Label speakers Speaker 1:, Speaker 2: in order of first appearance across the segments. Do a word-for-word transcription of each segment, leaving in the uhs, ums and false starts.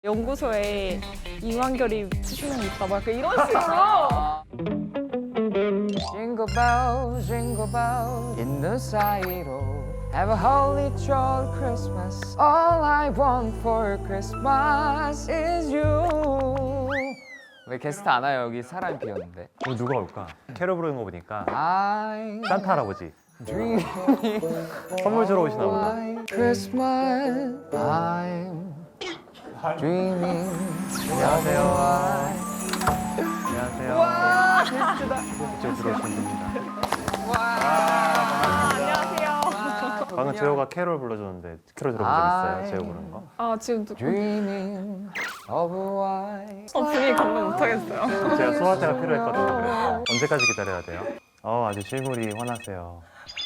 Speaker 1: 연구소에 이완결이 수십 명 있다 막 약간 이런 식으로.
Speaker 2: Jingle bells, jingle bells in the side-o. Have a holly jolly Christmas. All I want for Christmas is you. 왜 게스트 안 와요? 여기 사람이 비었는데.
Speaker 3: 오늘 누가 올까? 캐롤 부르는 거 보니까
Speaker 2: I'm
Speaker 3: 산타 할아버지
Speaker 2: dreaming
Speaker 3: 선물 주러 오시나 보다.
Speaker 2: Christmas. I'm dreaming.
Speaker 3: 안녕하세요. 안녕하세요.
Speaker 2: 와, 게스트다.
Speaker 3: 이쪽 들어오시면 됩니다.
Speaker 2: 와,
Speaker 1: 안녕하세요.
Speaker 3: 방금 재호가 캐롤 불러줬는데 캐롤 들어본 적 있어요? 재호 부르는 거?
Speaker 1: 아 지금 또
Speaker 2: Dreaming of a white.
Speaker 1: 어, 분위기 감당 못하겠어요.
Speaker 3: 제가 소화제가 필요했거든요. 그래서 언제까지 기다려야 돼요? 어 아주 실물이 환하세요.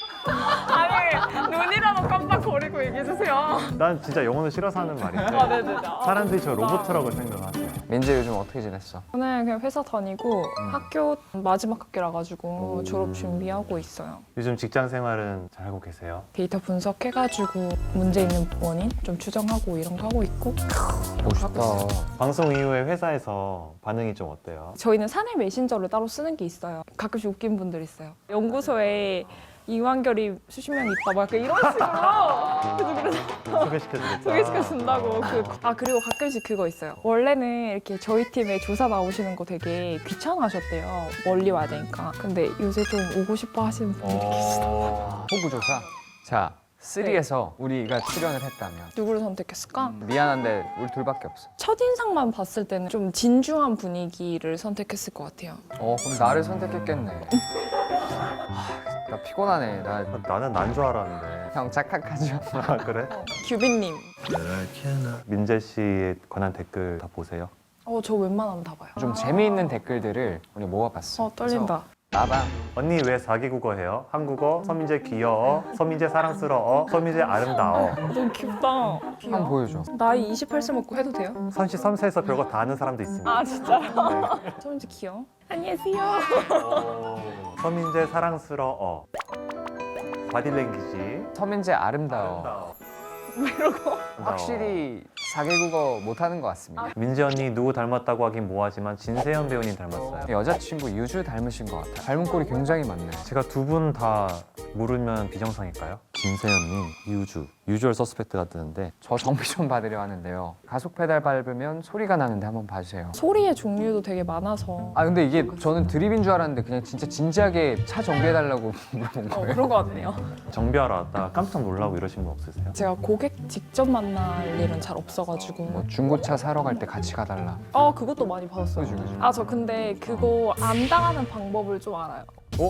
Speaker 1: 아니 눈이라도 깜빡거리고 얘기해주세요.
Speaker 3: 난 진짜 영어는 싫어서 하는 말인데
Speaker 1: 아 네네네.
Speaker 3: 사람들이 저 로봇이라고 생각하세요.
Speaker 2: 민재 요즘 어떻게 지냈어?
Speaker 1: 저는 그냥 회사 다니고 학교 마지막 학기라 가지고
Speaker 2: 오.
Speaker 1: 졸업 준비하고 있어요.
Speaker 3: 요즘 직장 생활은 잘 하고 계세요?
Speaker 1: 데이터 분석해가지고 문제 있는 원인 좀 추정하고 이런 거 하고 있고.
Speaker 2: 멋있다.
Speaker 3: 방송 이후에 회사에서 반응이 좀 어때요?
Speaker 1: 저희는 사내 메신저를 따로 쓰는 게 있어요. 가끔씩 웃긴 분들 있어요. 연구소에 이완결이 수십 명 있다 막 약간 이런 식으로. 그래서 그래서
Speaker 3: 소개시켜주겠다.
Speaker 1: 소개시켜 준다고. 그, 아 그리고 가끔씩 그거 있어요. 원래는 이렇게 저희 팀에 조사 나오시는 거 되게 귀찮아하셨대요. 멀리 와야 되니까. 근데 요새 좀 오고 싶어 하시는 분들이 계시다.
Speaker 3: 어...
Speaker 2: 호구조사. 자, 쓰리에서 우리가 출연을 했다면
Speaker 1: 누구를 선택했을까?
Speaker 2: 미안한데 우리 둘밖에 없어.
Speaker 1: 첫인상만 봤을 때는 좀 진중한 분위기를 선택했을 것 같아요.
Speaker 2: 어, 그럼 나를 선택했겠네. 하, 나 피곤하네. 나
Speaker 3: 나는 난 줄 알았는데.
Speaker 2: 형 착각하죠.
Speaker 3: 아 그래?
Speaker 1: 규빈님.
Speaker 3: 민재 씨에 관한 댓글 다 보세요.
Speaker 1: 어, 저 웬만하면 다 봐요.
Speaker 2: 좀 재미있는 댓글들을 우리 모아봤어.
Speaker 1: 어, 떨린다.
Speaker 2: 나방.
Speaker 3: 언니 왜 사기국어 해요? 한국어, 서민재 귀여워, 서민재 사랑스러워, 서민재 아름다워.
Speaker 1: 너무 귀엽다.
Speaker 2: 한번 보여줘.
Speaker 1: 나이 이십팔 세 먹고 해도 돼요?
Speaker 3: 삼십삼 세에서 별거 다 아는 사람도 있습니다.
Speaker 1: 아, 진짜요? 저 이제 귀여워. 안녕하세요.
Speaker 3: 서민재 사랑스러워. 바디랭귀지.
Speaker 2: 서민재 아름다워.
Speaker 1: 이러고.
Speaker 2: 확실히 사개국어 못하는 것 같습니다.
Speaker 3: 민재 언니 누구 닮았다고 하긴 뭐하지만 진세현 배우님 닮았어요.
Speaker 2: 여자친구 유주 닮으신 것 같아요. 닮은 꼴이 굉장히 많네요.
Speaker 3: 제가 두 분 다 모르면 비정상일까요? 진세현님, 유주, 유주얼 서스펙트가 뜨는데
Speaker 2: 저 정비 좀 받으려 하는데요. 가속 페달 밟으면 소리가 나는데 한번 봐주세요.
Speaker 1: 소리의 종류도 되게 많아서.
Speaker 2: 아 근데 이게 저는 드립인 줄 알았는데 그냥 진짜 진지하게 차 정비해달라고 물어본
Speaker 1: 어,
Speaker 2: 거예요.
Speaker 1: 그런 것 같네요.
Speaker 3: 정비하러 왔다가 깜짝 놀라고 이러신 분 없으세요?
Speaker 1: 제가 고객 직접 만날 일은 잘 없어가지고.
Speaker 2: 뭐 중고차 사러 갈 때 같이 가달라.
Speaker 1: 어, 그것도 많이 받았어요.
Speaker 2: 그죠, 그죠.
Speaker 1: 아, 저 근데 그거 안 당하는 방법을 좀 알아요.
Speaker 2: 어?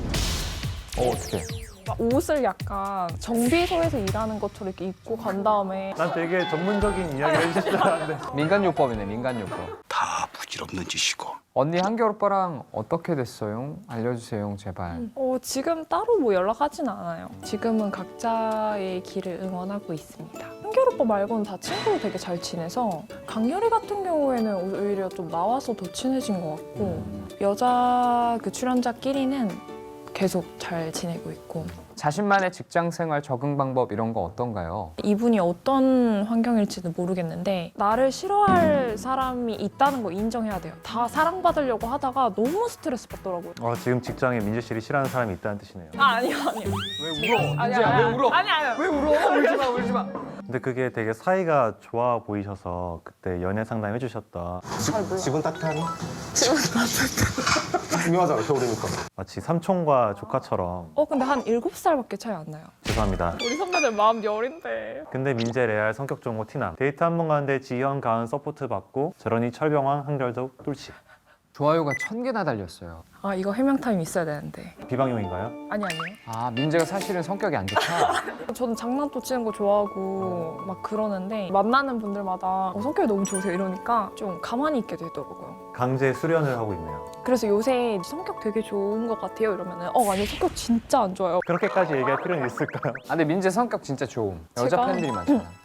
Speaker 2: 어 어떻게?
Speaker 1: 막 옷을 약간 정비소에서 일하는 것처럼 이렇게 입고 간 다음에
Speaker 3: 난 되게 전문적인 이야기 해주실 줄 알았는데
Speaker 2: 민간요법이네 민간요법.
Speaker 4: 다 부질없는 짓이고
Speaker 2: 언니 한결 오빠랑 어떻게 됐어요? 알려주세요 제발.
Speaker 1: 어, 지금 따로 뭐 연락하진 않아요. 지금은 각자의 길을 응원하고 있습니다. 한결 오빠 말고는 다 친구로 되게 잘 지내서 강렬이 같은 경우에는 오히려 좀 나와서 더 친해진 것 같고 여자 그 출연자끼리는 계속 잘 지내고 있고
Speaker 2: 자신만의 직장생활 적응 방법 이런 거 어떤가요?
Speaker 1: 이분이 어떤 환경일지는 모르겠는데 나를 싫어할 사람이 있다는 거 인정해야 돼요. 다 사랑받으려고 하다가 너무 스트레스 받더라고요.
Speaker 3: 어, 지금 직장에 민재 씨를 싫어하는 사람이 있다는 뜻이네요.
Speaker 1: 아, 아니요, 아니요.
Speaker 2: 왜 울어?
Speaker 1: 아니야,
Speaker 2: 민재야,
Speaker 1: 아니야.
Speaker 2: 왜 울어?
Speaker 1: 아니, 아니요.
Speaker 2: 왜 울어? 울지 마 울지 마.
Speaker 3: 근데 그게 되게 사이가 좋아 보이셔서 그때 연애 상담 해주셨다.
Speaker 5: 집은 따뜻하니? 집은 따뜻해. 중요하잖아, 겨울이니까.
Speaker 3: 마치 삼촌과 조카처럼.
Speaker 1: 어, 근데 한 일곱 살밖에 차이 안 나요.
Speaker 3: 죄송합니다.
Speaker 1: 우리 선배들 마음 여린데.
Speaker 3: 근데 민재 레알 성격 좋은 거 티남. 데이트 한 번 가는데 지현, 가은 서포트 받고 저러니 철병왕 한결도 뚫치.
Speaker 2: 좋아요가 천 개나 달렸어요.
Speaker 1: 아, 이거 해명 타임 있어야 되는데.
Speaker 3: 비방용인가요?
Speaker 1: 아니, 아니요.
Speaker 2: 아 민재가 사실은 성격이 안 좋다.
Speaker 1: 저는 장난도 치는 거 좋아하고 막 그러는데 만나는 분들마다 어, 성격이 너무 좋으세요 이러니까 좀 가만히 있게 되더라고요.
Speaker 3: 강제 수련을 하고 있네요.
Speaker 1: 그래서 요새 성격 되게 좋은 것 같아요 이러면은 어, 아니 성격 진짜 안 좋아요.
Speaker 3: 그렇게까지 얘기할 필요는 있을까요?
Speaker 2: 아 근데 민재 성격 진짜 좋음. 여자
Speaker 1: 제가-
Speaker 2: 팬들이 많잖아.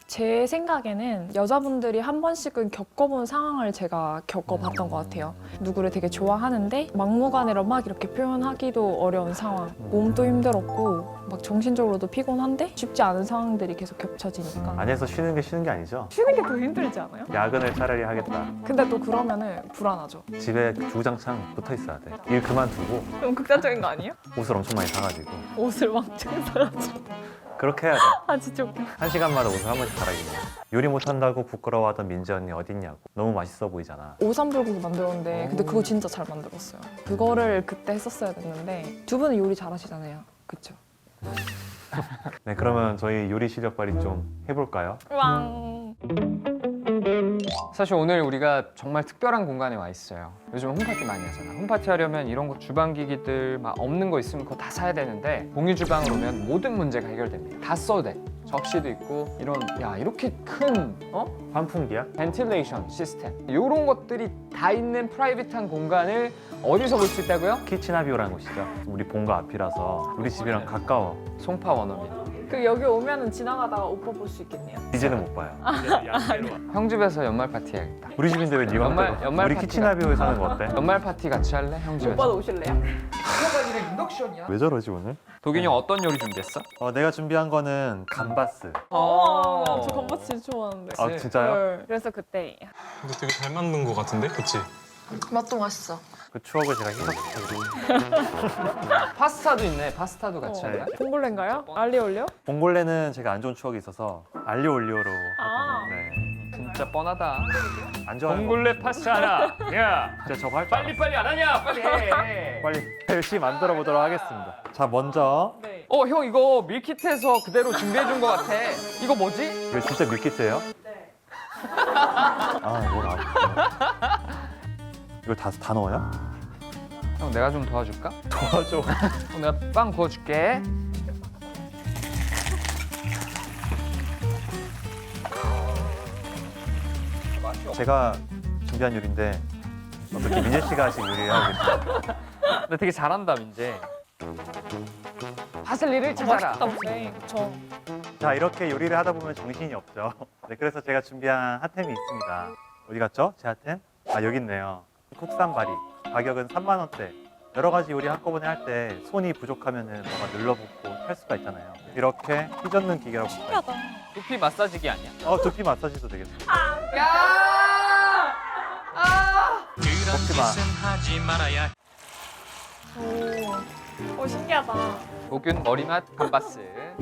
Speaker 1: 제 생각에는 여자분들이 한 번씩은 겪어본 상황을 제가 겪어봤던 것 같아요. 누구를 되게 좋아하는데 막무가내로 막 이렇게 표현하기도 어려운 상황. 몸도 힘들었고 막 정신적으로도 피곤한데 쉽지 않은 상황들이 계속 겹쳐지니까.
Speaker 3: 안에서 쉬는 게 쉬는 게 아니죠?
Speaker 1: 쉬는 게 더 힘들지 않아요?
Speaker 3: 야근을 차라리 하겠다.
Speaker 1: 근데 또 그러면은 불안하죠.
Speaker 3: 집에 주구장창 붙어 있어야 돼. 일 그만두고
Speaker 1: 너무 극단적인 거 아니에요?
Speaker 3: 옷을 엄청 많이 사가지고
Speaker 1: 옷을 왕창 사가지고.
Speaker 3: 그렇게 해야 돼.
Speaker 1: 아 진짜 웃겨.
Speaker 3: 한 시간마다 옷을 한 번씩 갈아입는 거야. 요리 못한다고 부끄러워하던 민지 언니 어딨냐고. 너무 맛있어 보이잖아.
Speaker 1: 오삼불고기 만들었는데 근데 그거 진짜 잘 만들었어요. 그거를 그때 했었어야 됐는데 두 분은 요리 잘하시잖아요. 그쵸?
Speaker 3: 네, 그러면 저희 요리 실력 발휘 좀 해볼까요?
Speaker 1: 왕.
Speaker 2: 사실 오늘 우리가 정말 특별한 공간에 와 있어요. 요즘 홈파티 많이 하잖아. 홈파티 하려면 이런 거 주방기기들 막 없는 거 있으면 그거 다 사야 되는데 공유 주방으로 오면 모든 문제가 해결됩니다. 다 써도 돼. 접시도 있고 이런 야 이렇게 큰 어?
Speaker 3: 환풍기야?
Speaker 2: 벤틸레이션 시스템 이런 것들이 다 있는 프라이빗한 공간을 어디서 볼 수 있다고요?
Speaker 3: 키친아비오라는 곳이죠. 우리 본거 앞이라서 우리 집이랑 가까워.
Speaker 2: 송파 원어민.
Speaker 1: 그 여기 오면은 지나가다가 오빠 볼 수 있겠네요.
Speaker 3: 이제는 못 봐요.
Speaker 2: 형 집에서 연말 파티 해야겠다.
Speaker 3: 우리 집인데 왜 네가
Speaker 2: 연말-
Speaker 3: 못 봐?
Speaker 2: 연말
Speaker 3: 우리
Speaker 2: 파티가-
Speaker 3: 키친아비오에 사는 거 어때?
Speaker 2: 연말 파티 같이 할래? 형 집에서.
Speaker 1: 오빠도 오실래요?
Speaker 2: 이거가 이래 인덕션이야.
Speaker 3: 왜 저러지 오늘?
Speaker 2: 도균이 형 어떤 요리 준비했어?
Speaker 3: 어, 내가 준비한 거는 감바스.
Speaker 1: 어, 저 건바스 진짜 좋아하는데.
Speaker 3: 아 진짜요?
Speaker 1: 네. 그래서 그때
Speaker 6: 근데 되게 잘 만든 것 같은데? 그치?
Speaker 1: 맛도 맛있어.
Speaker 3: 그 추억을 제가 희석시켜드리고.
Speaker 2: 파스타도 있네. 파스타도 같이
Speaker 1: 어.
Speaker 2: 할래?
Speaker 1: 봉골레인가요? 알리올리오?
Speaker 3: 봉골레는 제가 안 좋은 추억이 있어서 알리올리오로
Speaker 1: 아.
Speaker 3: 하던데
Speaker 2: 진짜 뻔하다.
Speaker 3: 안 좋아요.
Speaker 2: 봉골레 파스타 하나. 야,
Speaker 3: 진짜 저거 할 줄 알았어.
Speaker 2: 빨리 안 하냐? 빨리 해.
Speaker 3: 빨리 열심히 만들어 보도록 하겠습니다. 자 먼저
Speaker 1: 네.
Speaker 2: 어, 형 이거 밀키트에서 그대로 준비해 준 것 같아. 이거 뭐지?
Speaker 3: 이거 진짜 밀키트예요?
Speaker 1: 네.
Speaker 3: 아 뭐가 아프다. 이걸 다, 다 넣어요?
Speaker 2: 형 내가 좀 도와줄까?
Speaker 3: 도와줘.
Speaker 2: 어, 내가 빵 구워줄게.
Speaker 3: 제가 준비한 요리인데 어떻게 민재 씨가 하신 요리예요?
Speaker 2: 나 되게 잘한다 민재. 파슬리를 찾아라.
Speaker 1: 맛있다 보네. 저
Speaker 3: 자 이렇게 요리를 하다 보면 정신이 없죠. 네, 그래서 제가 준비한 핫템이 있습니다. 어디 갔죠? 제 핫템? 아 여기 있네요. 국산 바리. 가격은 삼만 원대. 여러 가지 요리 한꺼번에 할 때 손이 부족하면은 뭐가 늘러붙고 탈 수가 있잖아요. 이렇게 휘젓는 기계라고 볼까요?
Speaker 1: 신기하다.
Speaker 2: 두피 마사지기 아니야?
Speaker 3: 어 두피 마사지도 되겠습니다.
Speaker 2: 야! 아!
Speaker 3: 먹지 마.
Speaker 1: 오, 오 신기하다.
Speaker 2: 도균 머리맛 감바스.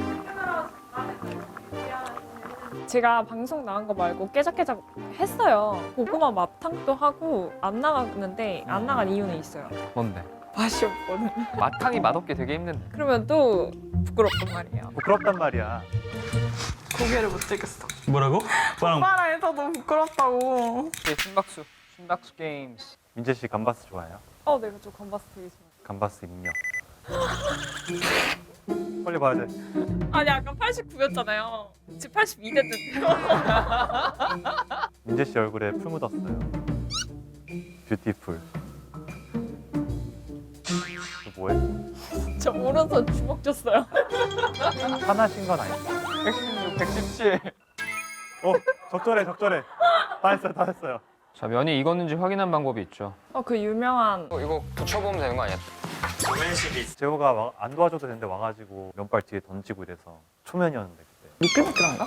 Speaker 1: 제가 방송 나간 거 말고 깨작깨작 했어요. 고구마 맛탕도 하고 안 나갔는데 안 나간 이유는 있어요.
Speaker 2: 뭔데?
Speaker 1: 맛이 없거든.
Speaker 2: 마탕이 맛없게 되게 힘든데.
Speaker 1: 그러면 또 부끄럽단 말이에요.
Speaker 3: 부끄럽단 말이야.
Speaker 1: 고개를 못 들겠어.
Speaker 6: 뭐라고? 빵.
Speaker 1: 오빠랑 해서 너무 부끄럽다고.
Speaker 2: 이게 심박수. 심박수 게임스.
Speaker 3: 민재 씨 감바스 좋아해요?
Speaker 1: 어, 내가 저 건바스 되게 좋아.
Speaker 3: 감바스 입력. 빨리 봐야 돼.
Speaker 1: 아니 아까 팔십구였잖아요. 지금 팔십이 됐는데요.
Speaker 3: 민재 씨 얼굴에 풀 묻었어요. 뷰티풀. 너 뭐해?
Speaker 1: 저 오른손 주먹 줬어요.
Speaker 3: 화나신 건 아니죠?
Speaker 2: 백십육, 백십칠.
Speaker 3: 어, 적절해, 적절해. 다 했어요, 다 했어요.
Speaker 2: 자, 면이 익었는지 확인한 방법이 있죠.
Speaker 1: 어, 그 유명한
Speaker 2: 어, 이거 붙여보면 되는 거 아니야?
Speaker 3: 재호가 와- 안 도와줘도 되는데 와가지고 면발 뒤에 던지고 이래서 초면이었는데 그때.
Speaker 1: 미끌미끌한가?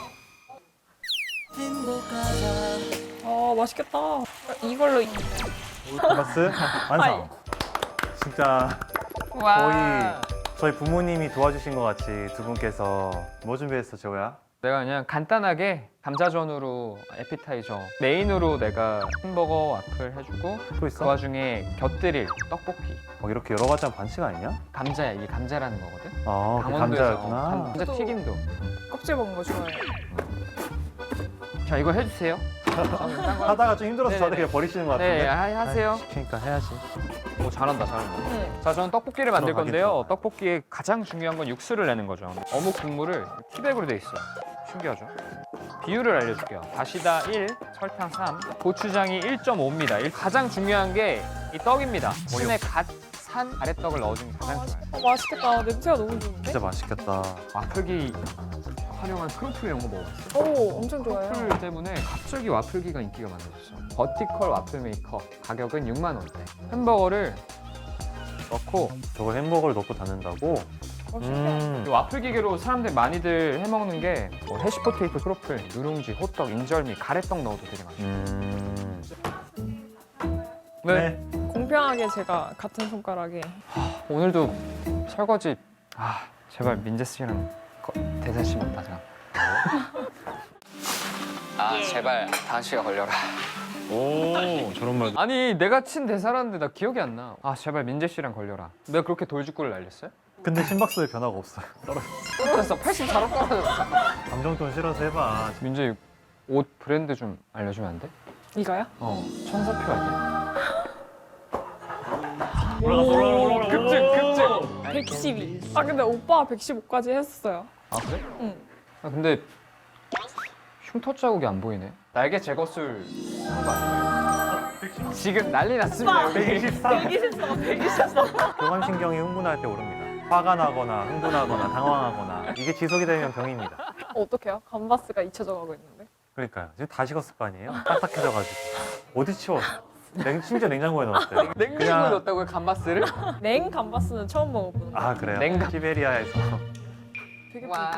Speaker 1: 어, 맛있겠다. 이걸로
Speaker 3: 감바스 완성. 진짜
Speaker 2: 와.
Speaker 3: 저희 부모님이 도와주신 것 같이 두 분께서 뭐 준비했어, 재호야?
Speaker 2: 내가 그냥 간단하게 감자전으로 에피타이저, 메인으로 내가 햄버거 와플 해주고
Speaker 3: 또
Speaker 2: 그
Speaker 3: 있어?
Speaker 2: 와중에 곁들일 떡볶이.
Speaker 3: 어, 이렇게 여러 가지 하면 반칙 아니냐?
Speaker 2: 감자야, 이게 감자라는 거거든.
Speaker 3: 아, 그
Speaker 2: 강원도에서
Speaker 3: 감자였구나.
Speaker 2: 어, 감자 튀김도.
Speaker 1: 껍질 먹는 거 좋아해요.
Speaker 2: 자, 이거 해주세요. 저는 딴거
Speaker 3: 하다가 좀 힘들어서
Speaker 2: 네네네.
Speaker 3: 저한테 그냥 버리시는 것 같은데.
Speaker 2: 네, 하- 하세요.
Speaker 3: 아이, 시키니까 해야지.
Speaker 2: 오, 잘한다, 잘한다.
Speaker 1: 네.
Speaker 2: 자, 저는 떡볶이를 만들
Speaker 3: 들어가겠죠.
Speaker 2: 건데요. 떡볶이의 가장 중요한 건 육수를 내는 거죠. 어묵 국물을 티백으로 돼 있어요. 신기하죠? 비율을 알려줄게요. 다시다 일, 설탕 삼, 고추장이 일 점 오입니다. 가장 중요한 게 이 떡입니다. 신에 갓 산 아랫떡을 넣어주는 게 가장 좋아요.
Speaker 1: 어, 맛있겠다. 냄새가 너무 좋은데?
Speaker 3: 진짜 맛있겠다.
Speaker 2: 와플기 활용한 크로플 이런 거 먹어봤어?
Speaker 1: 오, 엄청 좋아요.
Speaker 2: 크로플 때문에 갑자기 와플기가 인기가 많아졌어. 버티컬 와플 메이커 가격은 육만 원대. 햄버거를 넣고
Speaker 3: 저걸 햄버거를 넣고 닫는다고?
Speaker 1: 어, 신기하다.
Speaker 3: 음.
Speaker 2: 이 와플 기계로 사람들 많이들 해먹는 게 뭐 해시포테이토, 크로플, 누룽지, 호떡, 인절미, 가래떡 넣어도 되게 맛있어.
Speaker 3: 음.
Speaker 2: 네.
Speaker 1: 공평하게 제가 같은 손가락에
Speaker 2: 오늘도 설거지 아 제발 민재 씨랑 거- 대사 씨만 받아. 아 제발 다은 씨가 걸려라.
Speaker 6: 오 저런 말도.
Speaker 2: 아니 내가 친 대사라는데 나 기억이 안 나. 아 제발 민재 씨랑 걸려라. 내가 그렇게 돌직구를 날렸어요?
Speaker 3: 근데 심박수에 변화가 없어요.
Speaker 2: 떨어졌어. 팔십사로 떨어졌어.
Speaker 3: 감정돈 실어서 해봐.
Speaker 2: 민재 옷 브랜드 좀 알려주면 안 돼?
Speaker 1: 이거요?
Speaker 2: 어 천사표 아니야?
Speaker 6: 올라갔어 올라갔어 올라갔어.
Speaker 2: 급증 급증.
Speaker 1: 백십이. 아 근데 오빠가 백십오까지 했었어요.
Speaker 2: 아 그래?
Speaker 1: 응.
Speaker 2: 아 근데 흉터 자국이 안 보이네. 날개 제거술 한 거 아니에요? 지금 난리 났습니다 여기.
Speaker 3: 백이십삼.
Speaker 1: 백이십사, 백이십사.
Speaker 3: 교감신경이 흥분할 때 오릅니다. 화가 나거나 흥분하거나 당황하거나 이게 지속이 되면 병입니다.
Speaker 1: 어떡해요? 감바스가 잊혀져 가고 있는데.
Speaker 3: 그러니까요. 지금 다 식었을 거 아니에요? 딱딱해져가지고. 어디 치워? 냉, 심지어 냉장고에 넣었어요.
Speaker 2: 냉장고에
Speaker 3: 그냥-
Speaker 2: 넣었다고요 감바스를?
Speaker 1: 냉 감바스는 처음 먹어보는 거.
Speaker 3: 아 그래요?
Speaker 2: 냉각.
Speaker 3: 시베리아에서
Speaker 1: 되게
Speaker 2: 와.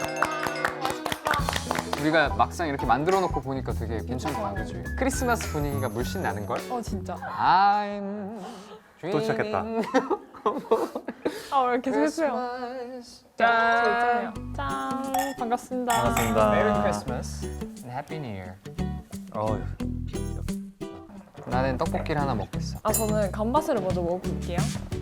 Speaker 1: 불쾌해.
Speaker 2: 우리가 막상 이렇게 만들어 놓고 보니까 되게 괜찮다, 그지? 크리스마스 분위기가 물씬 나는 걸.
Speaker 1: 어 진짜.
Speaker 2: I'm
Speaker 3: 또 시작했다.
Speaker 1: 아 왜 계속 했어요?
Speaker 2: Christmas.
Speaker 1: 짠. 짠. 반갑습니다.
Speaker 3: 반갑습니다.
Speaker 2: Merry Christmas and Happy New Year.
Speaker 3: 어,
Speaker 2: 나는 떡볶이를 하나 먹겠어.
Speaker 1: 아 저는 감바스를 먼저 먹어볼게요.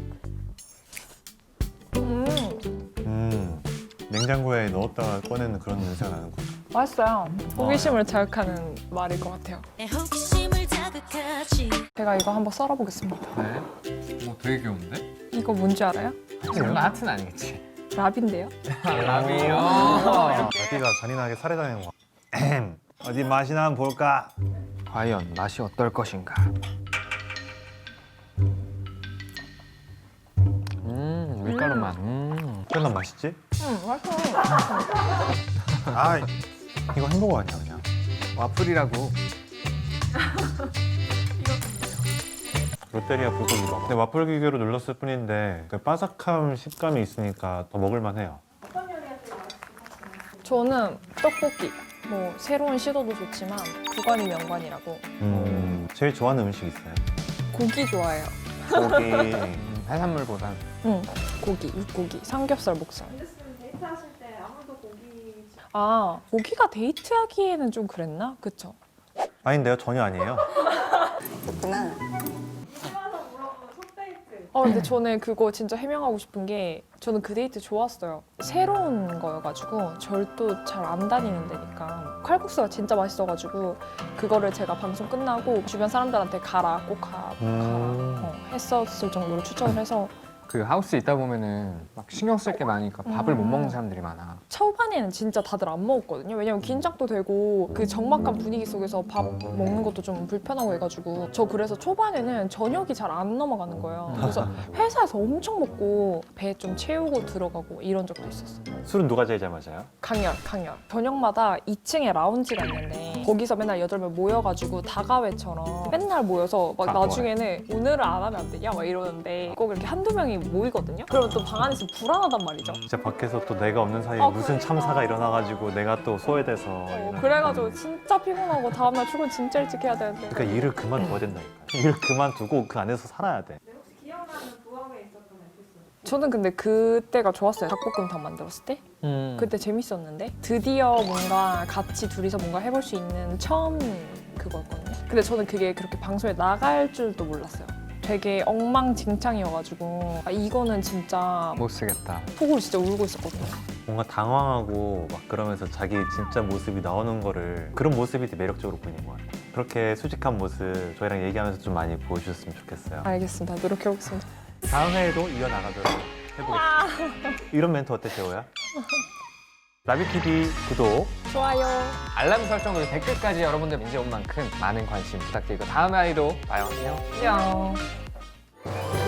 Speaker 1: 음
Speaker 3: 음, 냉장고에 넣었다가 꺼내는 그런 냄새가 나는 거죠.
Speaker 1: 맛있어요. 호기심을 자극하는 말일 것 같아요.
Speaker 7: 내 호기심을 자극하지.
Speaker 1: 제가 이거 한번 썰어보겠습니다.
Speaker 2: 네? 오, 되게 귀여운데?
Speaker 1: 이거 뭔지 알아요?
Speaker 2: 설마 하트는 아니겠지?
Speaker 1: 랍인데요.
Speaker 2: 라비요.
Speaker 3: 어디가 잔인하게 살해당한 거. 어디 맛이나 한번 볼까?
Speaker 2: 과연 맛이 어떨 것인가? 음, 밀가루 맛. 음.
Speaker 3: 꽤나 맛있지?
Speaker 1: 음 맛있어.
Speaker 3: 아, 이거 햄버거 아니야 그냥.
Speaker 2: 와플이라고.
Speaker 3: 롯데리아 불고기밥. 근데 와플 기계로 눌렀을 뿐인데 그 바삭함 식감이 있으니까 더 먹을만해요.
Speaker 1: 저는 떡볶이. 뭐 새로운 시도도 좋지만 구관이 명관이라고.
Speaker 3: 음, 제일 좋아하는 음식 있어요?
Speaker 1: 고기 좋아해요.
Speaker 3: 고기.
Speaker 2: 음, 해산물보단.
Speaker 1: 응. 고기, 육고기, 삼겹살, 목살. 아 고기가 데이트하기에는 좀 그랬나? 그쵸?
Speaker 3: 아닌데요, 전혀 아니에요.
Speaker 1: 아 근데 저는 그거 진짜 해명하고 싶은 게 저는 그 데이트 좋았어요. 새로운 거여가지고 절도 잘 안 다니는 데니까 칼국수가 진짜 맛있어가지고 그거를 제가 방송 끝나고 주변 사람들한테 가라 꼭 가, 꼭
Speaker 3: 음.
Speaker 1: 가라 어, 했었을 정도로 추천을 해서
Speaker 2: 그 하우스에 있다 보면은 막 신경 쓸 게 많으니까 밥을 못
Speaker 1: 음.
Speaker 2: 먹는 사람들이 많아.
Speaker 1: 초반에는 진짜 다들 안 먹었거든요. 왜냐면 긴장도 되고 그 적막한 분위기 속에서 밥 먹는 것도 좀 불편하고 해가지고 저 그래서 초반에는 저녁이 잘 안 넘어가는 거예요. 그래서 회사에서 엄청 먹고 배 좀 채우고 들어가고 이런 적도 있었어.
Speaker 3: 술은 누가 제일 잘 마셔요?
Speaker 1: 강연, 강연. 저녁마다 이 층에 라운지가 있는데 거기서 맨날 여덟 명 모여가지고 다가회처럼 맨날 모여서 막
Speaker 3: 아,
Speaker 1: 나중에는 오늘은 안 하면 안 되냐 막 이러는데 꼭 이렇게 한두 명이 모이거든요. 그러면 또 방 안에서 불안하단 말이죠.
Speaker 3: 진짜 밖에서 또 내가 없는 사이에
Speaker 1: 아,
Speaker 3: 무슨
Speaker 1: 그러니까.
Speaker 3: 참사가 일어나가지고 내가 또 소외돼서
Speaker 1: 어, 그래가지고 진짜 피곤하고 다음날 출근 진짜 일찍 해야 되는데
Speaker 3: 그러니까 일을 그만둬야 된다니까. 일을 그만두고 그 안에서 살아야 돼.
Speaker 1: 저는 근데 그때가 좋았어요. 닭볶음탕 만들었을 때
Speaker 2: 음.
Speaker 1: 그때 재밌었는데 드디어 뭔가 같이 둘이서 뭔가 해볼 수 있는 처음 그거였거든요. 근데 저는 그게 그렇게 방송에 나갈 줄도 몰랐어요. 되게 엉망진창이어가지고 아, 이거는 진짜
Speaker 2: 못 쓰겠다.
Speaker 1: 속으로 진짜 울고 있었거든요.
Speaker 3: 뭔가 당황하고 막 그러면서 자기 진짜 모습이 나오는 거를 그런 모습이 되게 매력적으로 보이는 것 같아요. 그렇게 수직한 모습 저희랑 얘기하면서 좀 많이 보여주셨으면 좋겠어요.
Speaker 1: 알겠습니다. 노력해보겠습니다.
Speaker 3: 다음 회에도 이어나가도록 해보겠습니다. 이런 멘트 어때, 재호야? 나비티비 구독,
Speaker 1: 좋아요.
Speaker 2: 알람 설정 그리고 댓글까지 여러분들 이제 온 만큼 많은 관심 부탁드리고 다음 아이도 봐요. 안녕.
Speaker 1: 안녕.